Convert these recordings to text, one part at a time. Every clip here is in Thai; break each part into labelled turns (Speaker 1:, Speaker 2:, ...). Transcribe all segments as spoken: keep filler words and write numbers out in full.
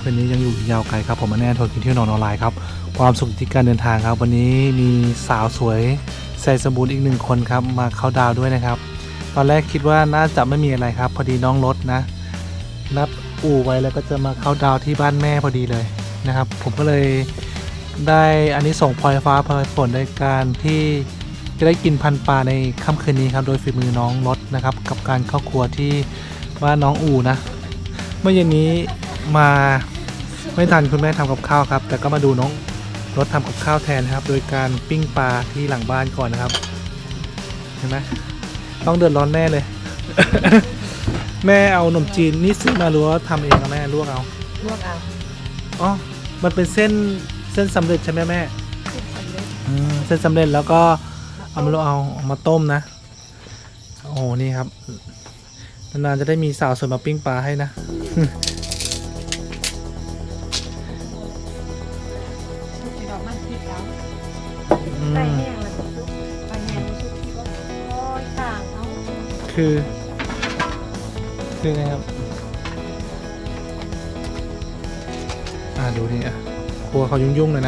Speaker 1: คืนนี้ยังอยู่ยาวไกลครับผมมาแน่ทนกินเที่ยวนอนออนไลน์ครับความสุขที่การเดินทางครับวันนี้มีสาวสวยใส่สมบูรณ์อีกหนึ่งคนครับมาเข้าดาวด้วยนะครับตอนแรกคิดว่าน่าจะไม่มีอะไรครับพอดีน้องรถนะนัดอู่ไว้แล้วก็จะมาเข้าดาวที่บ้านแม่พอดีเลยนะครับผมก็เลยได้อันนี้ส่งพลอยฟ้าพลอยฝนในการที่จะได้กินพันปลาในค่ำคืนนี้ครับโดยฝีมือน้องรถนะครับกับการเข้าครัวที่บ้านน้องอู่นะเมื่อเย็นนี้มาไม่ทันคุณแม่ทำกับข้าวครับแต่ก็มาดูน้องรถทำกับข้าวแทนครับโดยการปิ้งปลาที่หลังบ้านก่อนนะครับเห็นไหมต้องเดือดร้อนแน่เลย แม่เอาขนมจีนนี่ซื้อมาหรือว่าทำเองกับแม่ลวกเอา
Speaker 2: ลวกเอา
Speaker 1: อ๋อมันเป็นเส้นเส้นสำเร็จใช่ไหมแม่
Speaker 2: เส้นสำเร็จ
Speaker 1: อืมเส้นสำเร็จแล้วก็เอามาลวกเอาเอามาต้มนะโอ้โหนี่ครับนานๆจะได้มีสาวสวยมาปิ้งปลาให้นะ
Speaker 2: ใส่แห้งแล้วก็ซุปใส่แห้งซุปที่ว่าคอยต่างเอา
Speaker 1: คือคือไงครับอ่าดูนี่อ่ะครัวเขายุ่งๆเลยนะ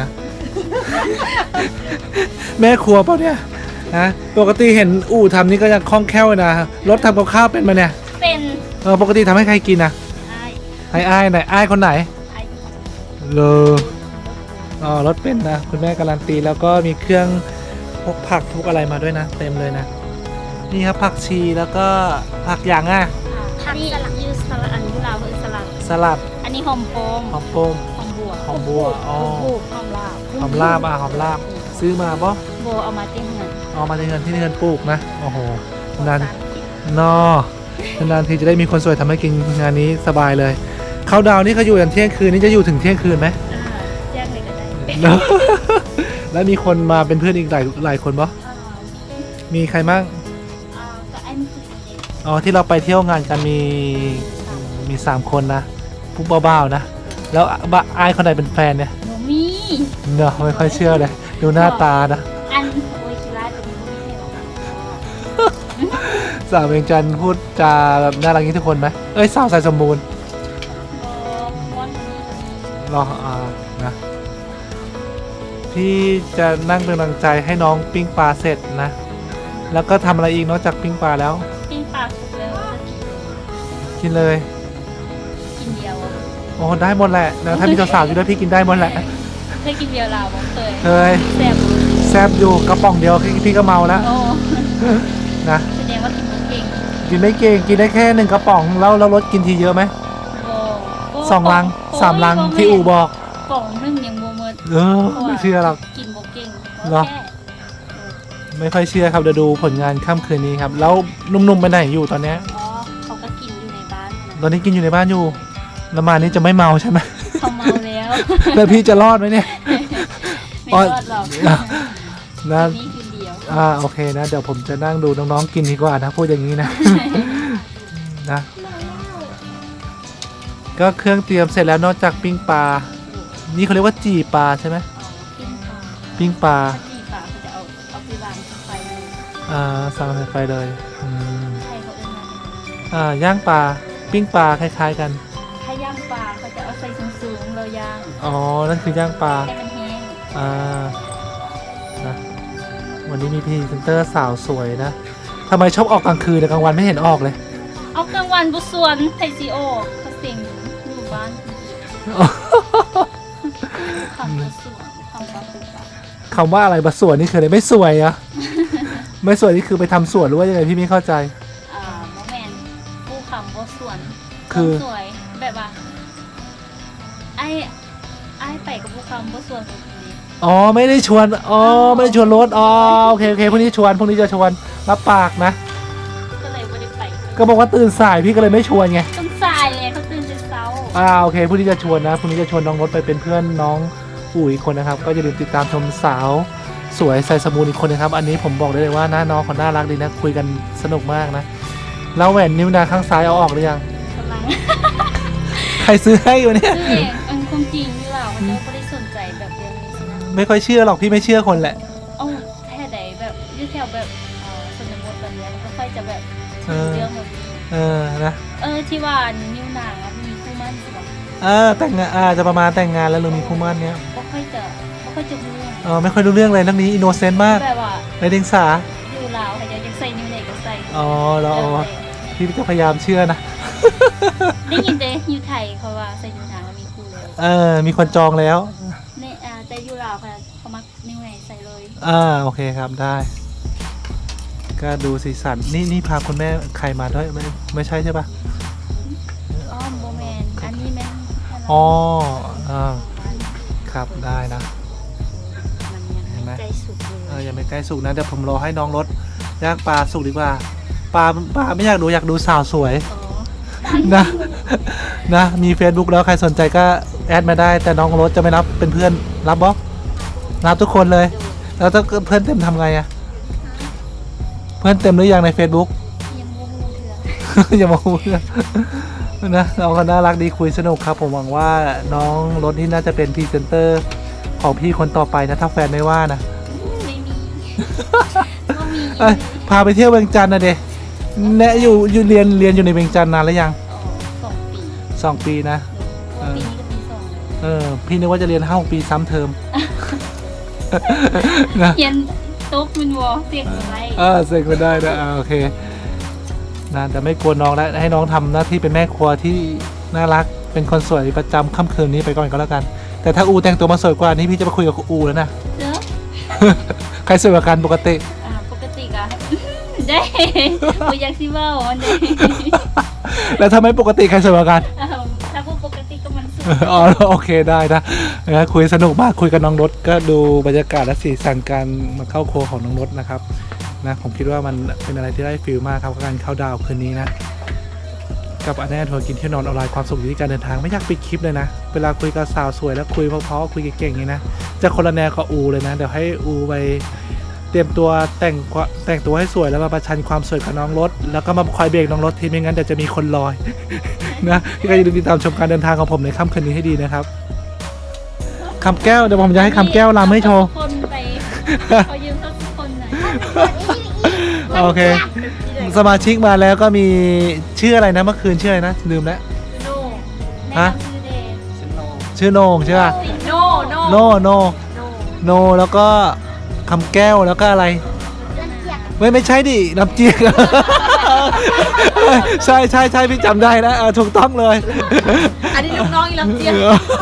Speaker 1: แม่ครัวเปล่าเนี่ยนะปกติเห็นอู่ทำนี่ก็ยังคล่องแคล่วนะรถทำกับข้าวเป็นมาเนี่ย
Speaker 2: เป็น
Speaker 1: เออปกติทำให้ใครกินนะ
Speaker 2: ไอ้
Speaker 1: ไอ้ไอ้ไหนไอ้คนไหน
Speaker 2: ไอ้
Speaker 1: เลยอ๋อรถเป็นนะคุณแม่การันตีแล้วก็มีเครื่องพวกผักทุกอะไรมาด้วยนะเต็มเลยนะนี่ครับผักชีแล้วก็ผักอย่างอ่ะ
Speaker 2: ผักสลัดยูสลัดอันนี้ลาวคือสลัด
Speaker 1: สลัด
Speaker 2: อันนี้หอมโปม
Speaker 1: หอมโปม
Speaker 2: หอมบัว
Speaker 1: หอมบัวอ๋อ
Speaker 2: หอมลาบ
Speaker 1: หอมลาบอ่ะหอมลาบซื้อมาปะ
Speaker 2: โบเอามาที่เงิน
Speaker 1: เอามาที่เงินที่เงินปลูกนะโอ้โหนานนอนานทีจะได้มีคนสวยทำให้กินงานนี้สบายเลยเขาดาวนี่เขาอยู่ยันเที่ยงคืนนี่จะอยู่ถึงเที่ยงคืนไหม
Speaker 2: แจ้งเลยก็ได้
Speaker 1: แล้วมีคนมาเป็นเพื่อนอีกหลายหลายคนปะมีใครบ้างอ๋อที่เราไปเที่ยวงานกันมีมีสามคนนะผู้บ้าๆนะแล้วบ้าไอ้คนไหนเป็นแฟนเนี่ย
Speaker 2: หนูมี
Speaker 1: เนาะไม่ค่อยเชื่อเลยดูหน้าตานะ
Speaker 2: อันโอ้ยชิลาจะมีผู้ไม่ใช่หรอ
Speaker 1: สาวเวียงจันทร์พูดจาแบบน่ารักนี้ทุกคนไหมเอ้ยสาวใส่สมบูรณ์รออ่านะพี่จะนั่งเป็นกำลังใจให้น้องปิ้งปลาเสร็จนะแล้วก็ทำอะไรอีกนอกจากปิ้งปลาแล้ว
Speaker 2: ปิ้งปลาสุกแล้ว
Speaker 1: กินเลย
Speaker 2: กินเดียว
Speaker 1: โอ้ได้หมดแหละแล้วถ้ามีสาวๆอยู่ด้วยพี่กินได้หมดแหละ
Speaker 2: เคยกินเดียวลาวบ้างเคย
Speaker 1: เคย
Speaker 2: แซ่บ
Speaker 1: แซ่บอยู่กระป๋องเดียวพี่ก็เมาแล้วนะ
Speaker 2: แสดงว่ากินไม่เก่ง
Speaker 1: กินไม่เก่งกินได้แค่หนึ่งกระป๋องแล้วเราลดกินทีเยอะไหมสองลังสามลังที่อู่บอก
Speaker 2: ป๋องนึงยังโมเมด
Speaker 1: เออไม่เชื่อหรอก
Speaker 2: กินโบเก่ง
Speaker 1: หรอไม่ค่อยเชื่อครับเดี๋ยวดูผลงานค่ำคืนนี้ครับแล้วนุ่มๆไปไหนอยู่ตอนนี้
Speaker 2: อ๋อเขาก็กินอยู่ในบ้าน
Speaker 1: ตอนนี้กินอยู่ในบ้านอยู่แล้วมานี้จะไม่เมาใช่ไหม
Speaker 2: เขาเมาแล้ว
Speaker 1: แล้วพี่จะรอดไหมเนี่ย
Speaker 2: ไม่รอดหรอก
Speaker 1: นะ
Speaker 2: นี่คืนเดียว
Speaker 1: อ่าโอเคนะเดี๋ยวผมจะนั่งดูน้องๆกินดีกว่านะพูดอย่างนี้นะนะก็เครื่องเตรียมเสร็จแล้วนอกจากปิ้งปลานี่เขาเรียกว่าจีปลาใช่ไหมปิ้งปลา
Speaker 2: จีปลาเขาจะเอาเอาไปวางไฟเลย
Speaker 1: อ่าสั่งไฟเลยอืม
Speaker 2: ใช่เขาเอิ้นมา
Speaker 1: อ่าย่างปลาปิ้งปลาคล้ายๆกัน
Speaker 2: ถ้าย่างปลาเขาจะเอาใส่สูงๆเราย่าง
Speaker 1: อ๋อนั่นคือย่างปลา
Speaker 2: ให้มันแห้ง
Speaker 1: อ่านะวันนี้มีพรีเซนเตอร์สาวสวยนะทำไมชอบออกกลางคืนแต่กลางวันไม่เห็นออกเลย
Speaker 2: เอากลางวันบุษวนไทซีโอเขาเสียงอยู่บ้านคำบุษวนคำว่าบุษวน
Speaker 1: คำว่าอะไรบุษวนนี่คืออะไรไม่สวยอะไม่สวยนี่คือไปทำสวนหรือว่ายังไงพี่ไม่เข้าใจ
Speaker 2: อ่าโมเมนต์ผู้คำบุษวน
Speaker 1: คือ
Speaker 2: สวยแบบว่าไอ้ไอ้ไปกับผู้คำบุษวน
Speaker 1: อ๋อไม่ได้ชวนอ๋อไม่ได้ชวนรถอ๋อโอเคโอเคพรุ่งนี้ชวนพรุ่งนี้จะชวนรับปากนะ
Speaker 2: ก็เลยไม่ได้ไป
Speaker 1: ก็บอกว่าตื่นสายพี่ก็เลยไม่ชวนไง
Speaker 2: ตื่นสายเลยเขาตื่นแต่เช้า
Speaker 1: อ่าโอเคพรุ่งนี้จะชวนนะพรุ่งนี้จะชวนน้องรถไปเป็นเพื่อนน้องปู่อีกคนนะครับก็อย่าลืมติดตามชมสาวสวยใส่สมูนอีกคนนะครับอันนี้ผมบอกได้เลยว่าหน้าน้องคนน่ารักดีนะคุยกันสนุกมากนะแล้วแหวนนิ้วนางข้างซ้ายเอาออกหรือยัง
Speaker 2: กำลัง
Speaker 1: ใครซื้อให้อยู่เนี่ย
Speaker 2: ซื้อเองมันคงจริงหรือเปล่าเขาไม่ได้สนใจแบบเรื่องนี้สินะ
Speaker 1: ไม่ค่อยเชื่อหรอกพี่ไม่เชื่อคนแหละ
Speaker 2: อ๋อแค่ใดแบบยื่อแถวแบบเออสนบทแบบนี้มันก็ค่อยจะแบบเรื่องหมด
Speaker 1: เออนะ
Speaker 2: เออที่ว่านิ้วนางมีคู่มั่นใช่ไหม
Speaker 1: อเออแต่งงานอาจะประมาณแต่งงานแล้วหรือมีคู่หมั่นเนี้ย
Speaker 2: ไม่ค่อยจะไม่ค่อยจะรู้เรื่อง
Speaker 1: เออไม่ค่อยรู้เรื่องเลยเรื่องนี้อินโนเซนต์มาก
Speaker 2: แบบว่า
Speaker 1: ไร้เดียงสา
Speaker 2: อยู่ลาวใครจะยังใส่นิ้วไหนก็ใส่
Speaker 1: อ๋อเราพี่จะพยายามเชื่อนะ
Speaker 2: ได้ยินแต่อยู่ไทยเขาว่าใส่นิ้วนางแล้วมีคู่แล้ว
Speaker 1: เออมีคนจองแล้ว
Speaker 2: ในอ่าแต่อยู่ลาวเขาเขามักนิ้วไหนใส่เลย
Speaker 1: อ่าโอเคครับได้ ก็ดูสีสันนี่นี่พาคุณแม่ใครมาด้วยไม่ไม่ใช่ใช่ปะ
Speaker 2: อ๋อโมแมนอันนี้แม่น
Speaker 1: อ๋ออ่าครับได้นะ
Speaker 2: มันยังไม่ใกล้สุดเลย
Speaker 1: เออยังไม่ใกล้สุกนะเดี๋ยวผมรอให้น้องรถย่างปลาสุกดีกว่าปลาปลาไม่อยากดูอยากดูสาวสวย
Speaker 2: อ๋อ
Speaker 1: นะนะมี Facebook แล้วใครสนใจก็แอดมาได้ แต่น้องรถจะไม่รับเป็นเพื่อนรับบล็อกรับทุกคนเลย แล้วถ้าเพื่อนเต็มทำไงอะเพื่อนเต็มหรือยังใน Facebook
Speaker 2: ยังโมโหเถื่อ
Speaker 1: อย่ามาพูดนะนะน้องก็น่ารักดีคุยสนุกครับ ผมหวังว่าน้องรถที่น่าจะเป็นพรีเซนเตอร์ของพี่คนต่อไปนะถ้าแฟนไม่ว่านะ
Speaker 2: ไม่มีก็มี
Speaker 1: เอ้ยพาไปเที่ยวเวียงจันทร์นะเดะเนี่ยอยู่อยู่เรียนเรียนอยู่ในเวียงจันทร์นานแล้วยัง
Speaker 2: อ๋อสองปี
Speaker 1: สองปีนะ
Speaker 2: ปีนี้ก็ปีสองแล้ว
Speaker 1: เออพี่นึกว่าจะเรียนห้าปีซ้ำเทอม นะ
Speaker 2: เขียนตุ๊กมันวอเสียงอะไร
Speaker 1: เออเสร็จก็ได้นะอ่าโอเคนะแต่ไม่กลัวน้องแล้วให้น้องทำหน้าที่เป็นแม่ครัวที่น่ารักเป็นคนสวยประจำค่ำคืนนี้ไปก่อนก็แล้วกัน แต่ถ้าอูแต่งตัวมาสวยกว่านี้พี่จะมาคุยกับอูแล้วนะ
Speaker 2: เด้อ
Speaker 1: ใครสวยกว่ากันปกติ
Speaker 2: อ่าปกติอะ ได้บ่อยากสิเว้าอันนี้
Speaker 1: แล้วถ้าไม่ปกติใครสวยกว่ากัน
Speaker 2: อ้าวถ้าบ่ปกติก็มันสุด
Speaker 1: อ๋อโอเคได้นะนะคุยสนุกมากคุยกับน้องรถก็ดูบรรยากาศและสีสันการมาเข้าโครัวของน้องรถนะครับนะผมคิดว่ามันเป็นอะไรที่ได้ฟิลมากครับกับการเข้าดาวคืนนี้นะกับอันแน่ทัวร์กินเที่ยวนอนออนไลน์ความสุขอยู่ที่การเดินทางไม่อยากปิดคลิปเลยนะเวลาคุยกับสาวสวยแล้วคุยเพราะๆคุยเก่งๆอย่างนี้นะจะคนละแนวกับอูเลยนะเดี๋ยวให้อูไปเตรียมตัวแต่งแต่งตัวให้สวยแล้วมาประชันความสวยกับน้องรถแล้วก็มาคอยเบรกน้องรถทีไม่งั้นเดี๋ยวจะมีคนลอย นะที่ก็อย่าลืมติดตามชมการเดินทางของผมในค่ำคืนนี้ให้ดีนะครับคำแก้วเดี๋ยวผมจะให้คำแก้วรำให้โชว์
Speaker 2: คนไปขอยืมสักคนหน่อย
Speaker 1: โอเค สมาชิกมาแล้วก็มีชื่ออะไรนะเมื่อคืนชื่ออะไรนะลืมแล้ว
Speaker 2: โน
Speaker 1: ฮะ
Speaker 2: แนะนำชื่อเดย์
Speaker 1: ชื่อโหนงใช่ป่ะ
Speaker 2: โนโน
Speaker 1: โนโน
Speaker 2: โน
Speaker 1: โนแล้วก็คำแก้วแล้วก็อะไรไม่ไม่ใช่ดิน้ำเจียก ใช่ใช่ใช่พี่จำได้นะเออถูกต้องเลย
Speaker 2: อันนี้ลูกน้องอีลำเจีย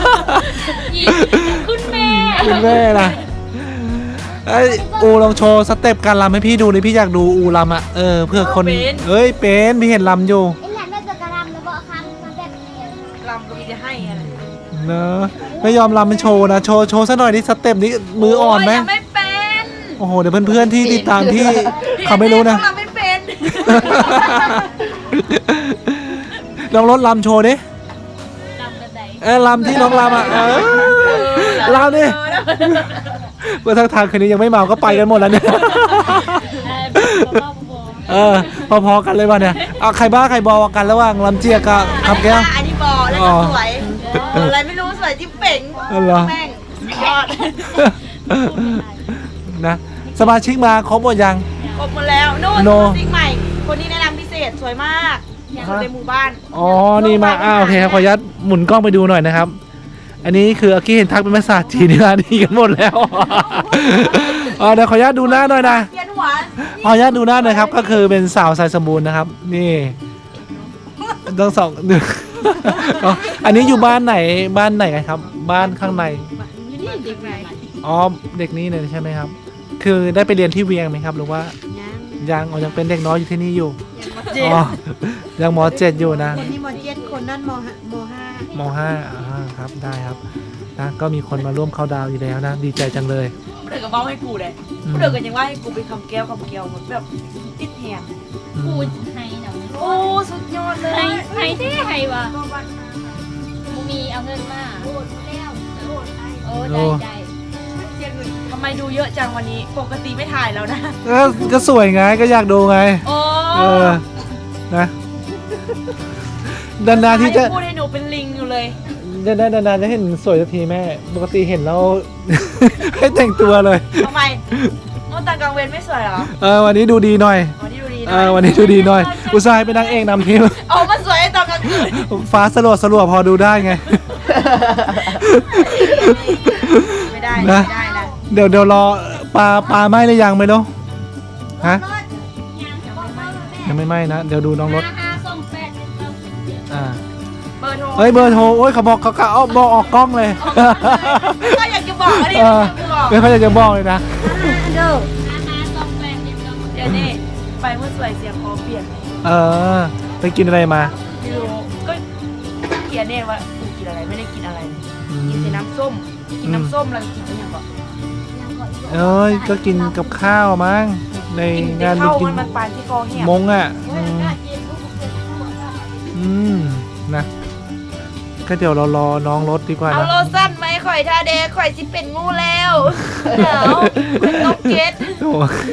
Speaker 2: คุณแม่
Speaker 1: คุณแม่นะไอยอูลองโชว์สเต็ปการรำให้พี่ดูเลยพี่อยากดูอูรำอ่ะเออเพื่อคนเอ้ยเป็นพี่เห็นรำอยู่
Speaker 3: ไอ้หลานน่าจะกระลำแล้วบอกคำมาแบบนี้
Speaker 4: ลำก็มีจะให้อะไร
Speaker 1: เนอะไม่ยอมรำเป็นโชว์นะโชว์โชว์ซะหน่อยนี่สเต็ปนี้มืออ่อนไหม
Speaker 4: โยยังไม่เป็น
Speaker 1: โอ้โหเดี๋ยวเพื่อนๆที่ติดตามที่เขาไม่รู้นะ
Speaker 4: ลำไม่เป็น
Speaker 1: ลองรถลำโชว์ดิ
Speaker 2: ลำกันไหน
Speaker 1: เออลำที่น้องลำอ่ะเออลำดิเมื่อทางทางคืนนี้ยังไม่เมาก็ไปกันหมดแล้วเนี่ย
Speaker 2: เออบ้าๆบอ
Speaker 1: เออพอๆกันเลยว่ะเนี่ยเอาใครบ้าใครบอกันระหว่างลำเจียกับคำแก้ว
Speaker 4: อันนี้บอแล้วก็สวยอะไรไม่รู้สวยจิ๊บเป่ง
Speaker 1: อ๋อเหรอ
Speaker 4: แม่งยอด
Speaker 1: นะสมาชิกมาครบหมดยัง
Speaker 4: ครบหมดแล้วนู่น
Speaker 1: โน่
Speaker 4: สติ๊กใหม่ คนนี้แนะนำพิเศษสวยมากอยู่ในหมู่บ้าน
Speaker 1: อ๋อนี่มาอ้าวโอเคครับขออนุญาตหมุนกล้องไปดูหน่อยนะครับ อันนี้คืออากี้เห็นทักเป็นภาษาจีนนี่นะดีกันหมดแล้ว อ๋อเดี๋ยวขออนุญาตดูหน้าหน่อยนะ
Speaker 4: เพียนหัว
Speaker 1: ขออนุญาตดูหน้าหน่อยครับก็คือเป็นสาวสายสมบูรณ์นะครับ นี่ต้องสอง อ๋ออันนี้อยู่บ้านไหนบ้านไหนกันครับ บ้านข้างใน
Speaker 2: นี่เด็กไหน
Speaker 1: อ๋อเด็กนี้เลยใช่ไหมครับ คือได้ไปเรียนที่เวียงไหมครับ หรือว่ายังอ๋อยังเป็นเด็กน้อยอยู่ที่นี่อยู่
Speaker 4: เจ็ด
Speaker 1: อ๋อยังมเจ็ดอยู่นะ
Speaker 4: คนนี้มเจ็ดคนนั่นมมห้าม
Speaker 1: ห้าอ่าครับได้ครับนะก็มีคนมาร่วมเข้าดาวน์อยู่แล้วนะดีใจจังเลย
Speaker 4: เดือดกับเบ้าให้กูเลย
Speaker 1: อืม
Speaker 4: เดือดกันยังว่าให้กูไปคำแก้วคำแก้วหมดแบบติดแหง
Speaker 1: อื
Speaker 2: พู
Speaker 1: ม
Speaker 2: ดให้หน่อย
Speaker 4: โอ้สุดยอดเลย
Speaker 2: ให้ให้ที่ให้วะมูมีเอาเงินมาโอ้ได้ได้
Speaker 4: เสียเงินทำไมดูเยอะจังวันนี้ ปกติไม่ถ่ายแล้วนะ
Speaker 1: ก็ก็สวยไงก็อยากดูไง
Speaker 4: โอ้
Speaker 1: เออนะนานๆที่จะ
Speaker 4: พูดให้หนูเป็นลิงอยู่เลย
Speaker 1: นานๆนานๆจะเห็นสวยสักทีแม่ปกติเห็นแล้ว ให้แต่งตัวเลย
Speaker 4: ทำไมโอ้ตากลางเวรไม่สวยเหรอ
Speaker 1: เออวันนี้ดูดีหน่อย
Speaker 4: วันนี้ดูดีห
Speaker 1: เอ
Speaker 4: น่อ
Speaker 1: อย วันนี้ดูดีหน่อย อุตส่าห์ให้เป็นนางเอกนำทีม
Speaker 4: เอามาสวยตอนกลางคืน
Speaker 1: ฟ้าสลัวสลัวพอดูได้ไง
Speaker 4: ไม่ได้ไม่ได้นะ
Speaker 1: เดี๋ยวเดี๋ยวรอปลาปลาไหม้หรือยังไม่รู้ฮะยังไม่ไหม้นะเดี๋ยวดูน้องรถ
Speaker 2: ห้าห้าสองแปดหนึ่งเก้าสิบเจ็ด
Speaker 1: อ่า
Speaker 4: เบอร์โทร
Speaker 1: เอ้ยเบอร์โทรโอ้ยเขาบอกเขาเขาเอาบอกออกกล้องเลย
Speaker 4: ก็อยากจะบอกดิ
Speaker 1: เออ
Speaker 4: อยากจะบอก
Speaker 1: ไม่ค่อยอยากจะบอกเลยนะ
Speaker 2: ห้าห้าสองแปดหนึ่งเก้าสิบ
Speaker 4: เดี๋ยวนี่ไปเมื่อสวยเสียงคอเปลี่ยน
Speaker 1: เออไปกินอะไรมา
Speaker 4: ไม่รู้ก็เขียนเนี่ยว่ากูกินอะไรไม่ได้กินอะไร
Speaker 1: อื
Speaker 4: กิน
Speaker 1: ม
Speaker 4: แต่น้ำส้มกินน้ำส้มแล้วกินอะไรอย่างเงี้ย
Speaker 1: เอ้ยก็กินกับข้าวมั้งใน
Speaker 4: กินแต่
Speaker 1: งาน
Speaker 4: ข้าว
Speaker 1: กิ
Speaker 4: มันมันปานที่คอแห้ง
Speaker 1: มงอ่ะอืมอืมนะก็เดี๋ยวเรารอน้องรถดีกว่า
Speaker 4: เอา
Speaker 1: นะ
Speaker 4: โลสั้นไหมข่อยทาเดข่อยสิเป็นงูแล้วเดี๋ยวเป็นนกเก็ต
Speaker 1: โอ้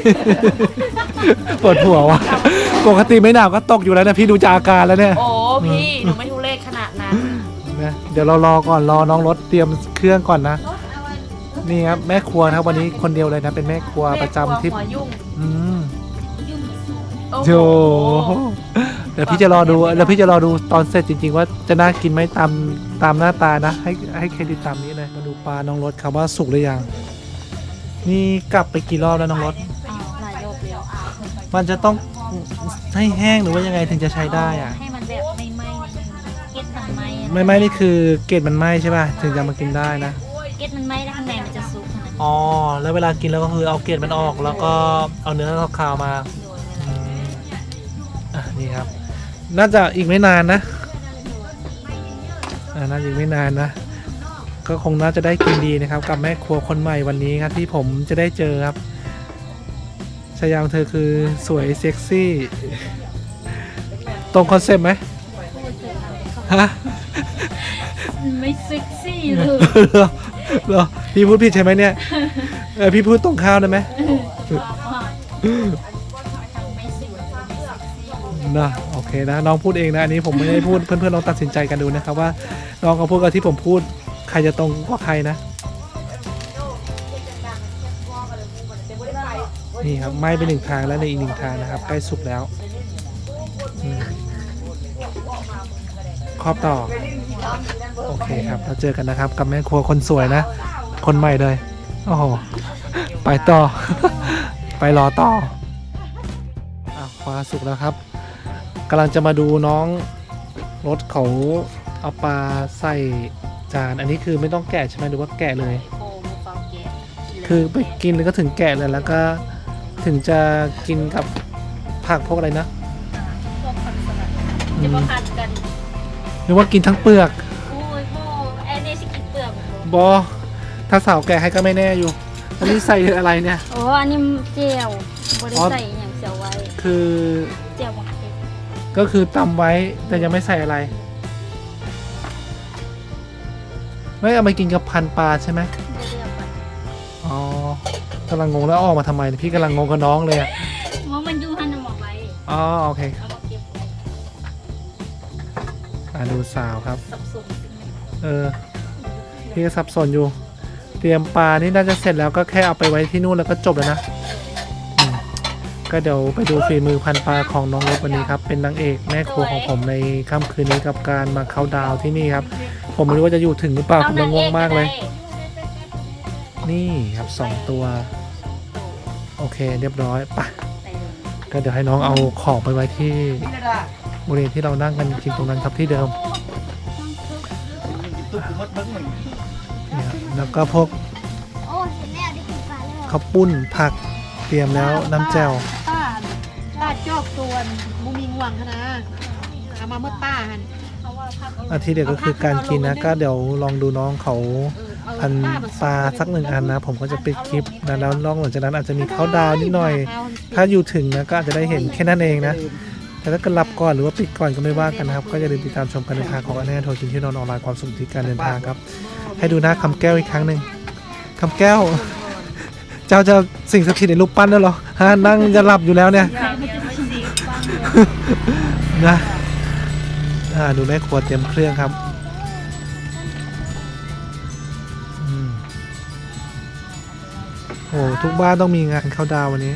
Speaker 1: ปวดหัวว่ะปกติไม่หนาวก็ตกอยู่แล้วนะพี่ดูจากอาการแล้วเนี่ย
Speaker 4: โอ้พี่หนูไม่ทุเรศขนาดนั้น
Speaker 1: นะเดี๋ยวเรารอก่อนรอน้องรถเตรียมเครื่องก่อนนะนี่ครับแม่ครัวนะครับวันนี้คนเดียวเลยนะเป็นแม่ครัวประจำที่
Speaker 4: หัวยุ่ง
Speaker 1: อืม
Speaker 4: โอ้
Speaker 1: โจ
Speaker 4: โห
Speaker 1: เดี๋ยวพี่จะรอดูเดี๋ยวพี่จะรอดูตอนเสร็จจริงๆว่าจะน่ากินไหมตามตามหน้าตานะให้ให้เครดิตตามนี้เลยมาดูปลาน้องรถครับว่าสุกหรือยังนี่กลับไปกี่รอบแล้วน้องรถ
Speaker 2: อ้าวหลายรอบแล้ว
Speaker 1: มันจะต้องให้แห้งหรือว่ายังไงถึงจะใช้ได้อะ
Speaker 2: ให้มันแบบไม่ไหม้นิดนึงเก็ตมันไหม้อะ
Speaker 1: ไม่ไหม้นี่คือเกล็ดมันไหม้ใช่ป่ะถึงจะมากินได้นะ
Speaker 2: เก็ตมันไหม้แล้วข้างในมันจะสุกนะ
Speaker 1: อ๋อแล้วเวลากินแล้วก็คือเอาเกล็ดมันออก แล้วก็เอาเนื้อขาวๆมาอืมอ่ะนี่ครับ น่าจะอีกไม่นานนะอ่าน่าจะอีกไม่นานนะ ก็คงน่าจะได้กินดีนะครับ กับแม่ครัวคนใหม่วันนี้ครับที่ผมจะได้เจอครับชายามเธอคือสวยเซ็กซี่ ตรงคอนเซ็ปต์ไหมฮะ
Speaker 2: ไม่เซ็กซี่เลย
Speaker 1: เหรอเหรอพี่พูดผิดใช่ไหมเนี่ยเออพี่พูดตรงข้าวได้ไหม
Speaker 2: ไม่สวยไม่เซ็กซี่
Speaker 1: นะโอเคนะน้องพูดเองนะอันนี้ผมไม่ได้พูด เพื่อนๆลองตัดสินใจกันดูนะครับว่าน้องเขาพูดกับที่ผมพูดใครจะตรงกว่าใครนะนี่ครับไหม้ไปหนึ่งทางแล้วในอีกหนึ่งทางนะครับใกล้สุกแล้วอืมครอบต่อโอเคครับเราเจอกันนะครับกับแม่ครัวคนสวยนะ คนใหม่เลยโอ้โหไปต่อ ไปรอต่ออ่ะปลาสุกแล้วครับกำลังจะมาดูน้องรถเขาเอาปลาใส่จานอันนี้คือไม่ต้องแกะใช่ไหมหรือว่าแกะเลย
Speaker 2: โอ้มือเปล่าแกะ
Speaker 1: คือไปกินแล้วก็ถึงแกะเลยแล้วก็ถึงจะกินกับผักพวกอะไรนะ
Speaker 2: พวกผักสลัดจะมาผัดกัน
Speaker 1: หรือว่ากินทั้งเปลือก
Speaker 2: โอ้ยโม่แอนนี่สิกินเปลือกหมด
Speaker 1: บอถ้าสาวแกะให้ก็ไม่แน่อยู่อันนี้ใส่อะไรเนี่ย
Speaker 2: โอ้อันนี้เจียวบริใส่อย่างเสียวไว้
Speaker 1: คือ
Speaker 2: เจียวบักเก็ต
Speaker 1: ก็คือตำไว้แต่ยังไม่ใส่อะไร ไม่เอาไปกินกับพันปลาใช่ไหม
Speaker 2: เรียกไป
Speaker 1: อ๋อกำลังงงแล้วออกมาทำไมพี่กำลังงงกับน้องเลยอะ
Speaker 2: ว่ามันอยู่หันหมอกไว้
Speaker 1: อ๋อโอเค
Speaker 2: เอามาเก็บไว้
Speaker 1: อ่ะดูสาวครับ
Speaker 2: สับสน
Speaker 1: เออพี่ก็สับสนอยู่ เตรียมปลานี่น่าจะเสร็จแล้วก็แค่เอาไปไว้ที่นู่นแล้วก็จบแล้วนะอืมก็เดี๋ยวไปดูฝีมือพันปลาของน้องรถวันนี้ครับเป็นนางเอกแม่ครัวของผมในค่ำคืนนี้กับการมาเข้าดาวน์ที่นี่ครับ ผมไม่รู้ว่าจะอยู่ถึงหรือเปล่าผมงงมากเลย นี่ครับสองตัว โอเคเรียบร้อยไปก็เดี๋ยวให้น้องเอาของไปไว้ที่บริเวณที่เรานั่งกันจริงๆตรงนั้นครับที่เดิมเนี่ยแล้วก็พวก
Speaker 3: โอ้เสร็จแล้วได้กินปลาแล้ว
Speaker 1: ข้าวปุ้นผักเตรียมแล้วน้ำแจ่ว
Speaker 4: ป้าป้าจอกตัวนมุมีง่วงคะนะเอามาเมื่อป้าหัน
Speaker 1: อาทีเดียวก็คือการกินนะก็เดี๋ยวลองดูน้องเขาพันปลาสักหนึ่งอันนะ ผมก็จะปิดคลิปนะแล้วนอกหลังจากนั้นอาจจะมีเขาดาวนิดหน่อย ถ้าอยู่ถึงนะก็อาจจะได้เห็นแค่นั้นเองนะแต่ถ้าเกิดหลับก่อนหรือว่าปิดก่อนก็ไม่ว่ากันนะครับก็อย่าลืมติดตามชมการเดินทางของอันแน่โทรกินที่นอนออนไลน์ความสุขที่การเดินทางครับให้ดูหน้าคำแก้วอีกครั้งหนึ่งคำแก้ว เจ้าจะสิ่งศักดิ์สิทธิ์ในรูปปั้นแล้วเหรอฮะนั่งจะหลับอยู่แล้วเนี่ย นะอ่าดูแม่ครัวเตรียมเครื่องครับอืมโอ้ทุกบ้านต้องมีงานเข้าดาววันนี้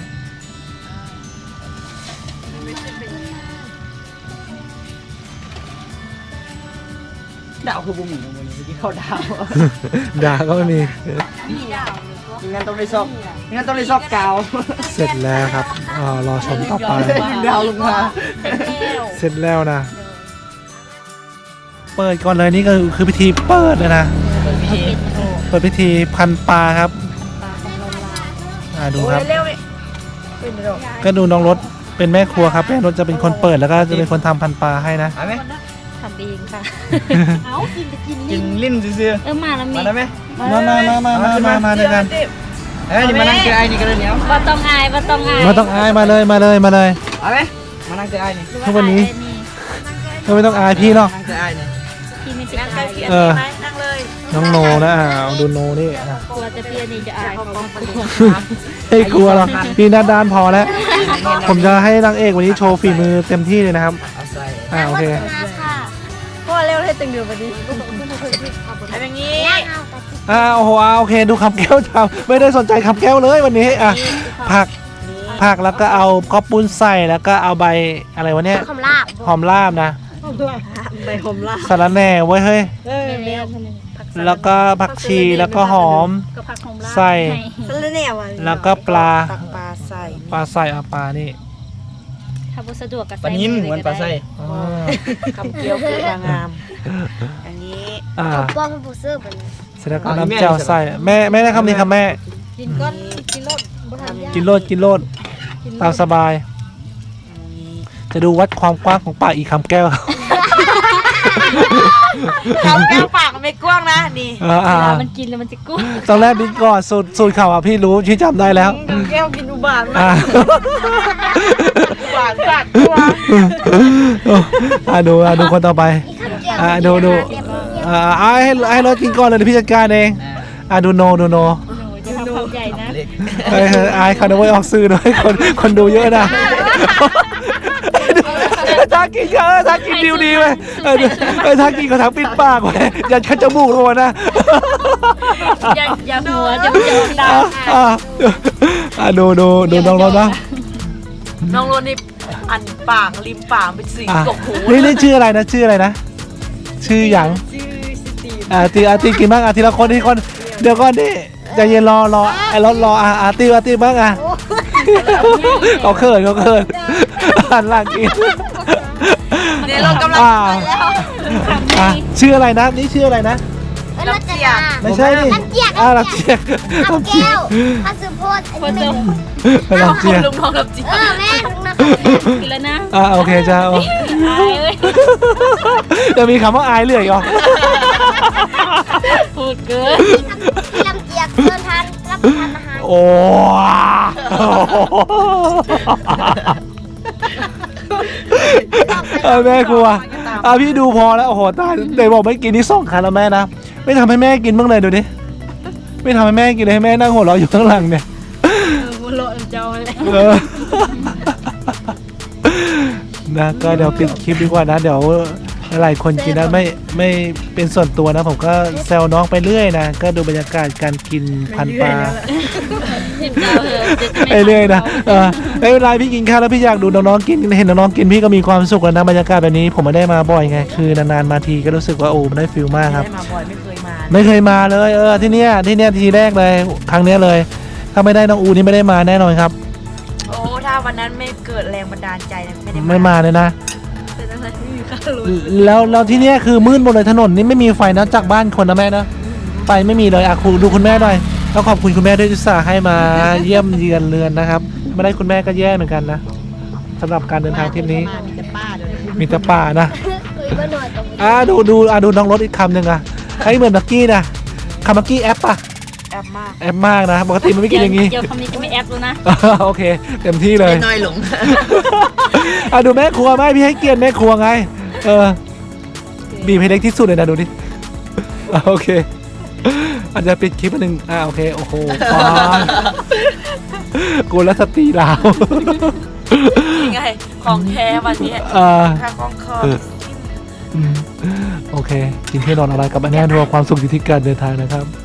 Speaker 5: ดาวคือบุ้มอยู่วันนี้ที่เขาดาว
Speaker 1: ด่าก็ไม่มี
Speaker 5: งั้นต้องได้ซอกงั้นต้องได้ซอกกาว
Speaker 1: เสร็จแล้วครับอ่ารอชมต่อไป
Speaker 5: ดาวลงมา
Speaker 1: เสร็จแล้วนะ เปิดก่อนเลยนี่ก็คือพิธีเปิดเลยนะ เปิดพิธีพันปลาครับอ่าดูครับ
Speaker 4: เร็วๆนี่เป็นดอก
Speaker 1: ก็ดูน้องรถเป็นแม่ครัวครับแม่รถจะเป็นคนเปิดแล้วก็จะเป็นคนทำพันปลาให้นะ
Speaker 5: เอาไหม
Speaker 2: ทำเองค่ะ
Speaker 4: เอากินจะกิน
Speaker 5: กิ
Speaker 4: ลิ้
Speaker 5: น
Speaker 4: น
Speaker 5: ลิ้นซื่อ
Speaker 2: เออมาแล้ว
Speaker 5: ๆ
Speaker 2: มี
Speaker 5: มาได้ไหม
Speaker 1: มามามามามามามาด้วยกัน
Speaker 5: เอ้ยนี่มานั่งเจอไอ้นี่กันเลยเนี้ย
Speaker 2: บ่ต้องอายบ่ต้องอาย
Speaker 1: ไมาต้องอายมาเลยมาเลยมาเลย
Speaker 5: เอาไหมมานั่งเจอไอ้นี่
Speaker 1: ทุกวันนี้ ก็ไม่ต้องอายพี่หรอก
Speaker 5: นั่งเจอไอ้นี่
Speaker 2: พี่ไม่จะอาย
Speaker 1: เออ
Speaker 4: นั่งเลย
Speaker 1: น้องโนนะอ่าเอาดูโนนี่อ่ะ
Speaker 2: กลัวจะพี่อันนี้จะอายเขาบอกกลัว
Speaker 1: ไม่กลัวหรอกพี่หน้าด้านพอแล้ว ผมจะให้นางเอกวันนี้โชว์ฝีมือเต็มที่เลยนะครับ
Speaker 5: เอาใส่
Speaker 1: อ่าโอเค
Speaker 3: มาค่ะ
Speaker 4: พ่อเร็วให้ตึงเดือดวันนี้ทำอย่างนี้
Speaker 3: ย่างเอาแต่ที่
Speaker 1: อ่าโอ้โหอ่าโอเคดูคำแก้วทำไม่ได้สนใจคำแก้วเลยวันนี้อ่ะผักผักแล้วก็เอาข้าวปุ้นใส่แล้วก็เอาใบอะไรวะเนี่ย
Speaker 3: คำลาบ
Speaker 1: หอมลาบนะ
Speaker 4: ใบหอมละ
Speaker 1: สาระแหน่ไว้ยเฮ้ย
Speaker 4: เออ
Speaker 2: แม่
Speaker 4: แม่
Speaker 1: แล้วก็ผักชีแล้วก็หอม
Speaker 2: ก็พักของลาบ
Speaker 1: ใส่
Speaker 4: สละแหน่วะ
Speaker 1: แล้วก็ปลา
Speaker 4: ตักปลาใส่
Speaker 1: ปลาใส่เอาปลานี่
Speaker 2: ถ้าบ่สะดวกก็
Speaker 5: ปลานิ่มเหมือนปลาไส้
Speaker 1: อ่า
Speaker 4: คำเกี๊ยวคือนางงามอันนี้
Speaker 1: อ่า
Speaker 3: ป้องผู้ซื้อไปเลย
Speaker 1: เสร็จแล้วก็น้ำเจ้าใส่แม่แม่ได้คำนี้ครับแม่
Speaker 4: กินก้อนกินรสบ่ทำยาก
Speaker 1: กินโลดกินโลดตามสบาย จะดูวัดความกว้างของปากอีกคำแก้ว
Speaker 4: คำแก้วปากมันไม่กว้างนะนี่
Speaker 1: อ่า
Speaker 2: เว
Speaker 1: อ่า
Speaker 2: ลามันกินแล้วมันจะกุ้ง
Speaker 1: ตอนแรกนิดก่อนสูตรสูตรข่าวอ่ะพี่รู้พี่จำได้แล้ว
Speaker 4: คำแก้วกินอุบาทมา
Speaker 1: อ่าก
Speaker 4: อุบาทกัดตัว
Speaker 1: อ่าดูอ่าดูคนต่อไป
Speaker 3: อีกคำเดียว
Speaker 1: อ่าดูดูอ่าอ่าให้ให้รถกินก่อนเลยเดี๋ยวพี่จัดการเองอ่าดูโนดูโน
Speaker 2: หนูจะทำความใหญ่นะ
Speaker 5: เล็ก
Speaker 1: เฮ้ยเฮ้ยอายเขานะเว้ยออกสื่อด้วยคนคนดูเยอะนะถ้ากินเยอะถ้ากินดิวดีไปเออเออถ้ากินเขาทั้งปิดปากไว้ยันขั้นจมูกเลยนะ
Speaker 2: อย่าอย่าหัวจะจะออกดา
Speaker 1: อ่ะ
Speaker 2: ว
Speaker 1: อ่ะอ่ะดูดูดูน้องรถนะ
Speaker 4: น้องโรนี่อันปากริมปากเป็นสี
Speaker 1: อ่ะ
Speaker 4: กบหู
Speaker 1: นี่นี่ชื่ออะไรนะชื่ออะไรนะ ชื่อหยัง
Speaker 4: ชื่อสตีฟ
Speaker 1: อ่าตีอาตีกินบ้างอ่ะทีละคนทีละคนเดี๋ยวก่อนดิใจเย็นรอรอไอ้รถรออ่ะอาตีอาตีบ้างอ่ะเขาเขินเขาเขินหันหลังกิน
Speaker 4: เนี่ยเรากำลัง
Speaker 1: อ่า
Speaker 4: ไปแล้ว
Speaker 1: อ่ะชื่ออะไรนะนี่ชื่ออะไรนะ
Speaker 3: เออรจนา
Speaker 1: ไม่ใช่ดิ
Speaker 3: น้ำเจียก
Speaker 1: อ่าลักเจียก
Speaker 3: คำแก้วพัสดุโพดอันนี้ไม่
Speaker 1: ลักเจียก
Speaker 4: ลุงน้องรับจี
Speaker 3: เออแม่ลุงนะ
Speaker 2: กินแล้วนะ
Speaker 1: อ่าโอเคจ้าโอ้
Speaker 2: อายเอ้ย
Speaker 1: จะมีคำว่าอายเหลืออีกเหรอ
Speaker 2: พูดเกิน
Speaker 3: ที่ลำเจียกเพื่อนทานรับประทานอาหาร
Speaker 1: โอ้เอาแม่ครัวอ่ะพี่ดูพอแล้วโอ้โหตายเดี๋ยวบอกไม่กินนี่สองครั้งแล้วแม่นะไม่ทำให้แม่กินบ้างเลยดูดิไม่ทำให้แม่กินเลยให้แม่นั่งหัวเราะอยู่ข้างหลังเนี่ย
Speaker 2: หัวโลนเจ้าเลย
Speaker 1: เออนะก็เดี๋ยวปิดคลิปดีกว่านะเดี๋ยวหลายคนกินนะไม่ไม่เป็นส่วนตัวนะ ผมก็แซวน้องไปเรื่อยนะก็ดูบรรยากาศการกินพันปลา
Speaker 2: ทิมเจ้าเหอะจะ
Speaker 1: ไปเรื่อยนะเออไม่เป็นไรพี่กินข้าวแล้วพี่อยากดูน้องๆกินเห็นน้องๆกินพี่ก็มีความสุขแล้วนะบรรยากาศแบบนี้ผมไม่ได้มาบ่อยไงคือนานๆมาทีก็รู้สึกว่าโอ้มันได้ฟิลมากครับ
Speaker 4: ได้มาบ่อยไม่เคยมา
Speaker 1: ไม่เคยมาเลยเออที่เนี้ยที่เนี้ยทีแรกเลยครั้งเนี้ยเลย ถ้าไม่ได้น้องอูนี่ไม่ได้มาแน่นอนครับ
Speaker 4: โอ้ถ้าวันนั้นไม่เกิดแรงบันดาลใจนะไม่ได้
Speaker 1: ไม่มาเลยนะ
Speaker 4: เป็นอะไรไม่มีค่ารถ
Speaker 1: แล้วแล้วที่เนี้ยคือมืดหมดเลยถนนนี่ไม่มีไฟนะจากบ้านคนนะแม่นะไฟไม่มีเลยอ่ะครูดูคุณแม่หน่อยแล้วขอบคุณคุณแม่ด้วยที่อุตส่าห์ให้มาเยี่ยมเยือนเรือนนะครับไม่ได้คุณแม่ก็แย่เหมือนกันนะสำหรับการเดินทางทริปนี้
Speaker 4: มีแต่ป้าเดี๋ยวนี้
Speaker 1: มีแต่ป่านะ
Speaker 3: คุยมาหน่อยตรงนี้
Speaker 1: อ่าดูดูอ่าดูน้องรถอีกคำหนึ่งอ่ะไอ้เหมือนเมื่อกี้นะคำเมื่อกี้แอปป่ะ
Speaker 4: แอบมาก
Speaker 1: แอปมากนะปกติมันไม่กินอย่างนี้
Speaker 2: เดี๋ยวคำนี้จะไม่แอปแล้วนะ
Speaker 1: โอเคเต็มที่เลย
Speaker 5: น้อยหลง
Speaker 1: อ่ะดูแม่ครัวไหมพี่ให้เกียรติแม่ครัวไงเออบีบให้เล็กที่สุดเลยนะดูดิอ่ะโอเคอาจจะปิดคลิปอันหนึ่งอ่าโอเคโอ้โหฟานกูรัสตรีลาว
Speaker 4: ยังไงของแท้วันนี้
Speaker 1: อ่า
Speaker 4: ค่าของคอ
Speaker 1: อืมโอเค กินที่นอนอะไรกับอันแน่นอนความสุขอยู่ที่การเดินทางนะครับ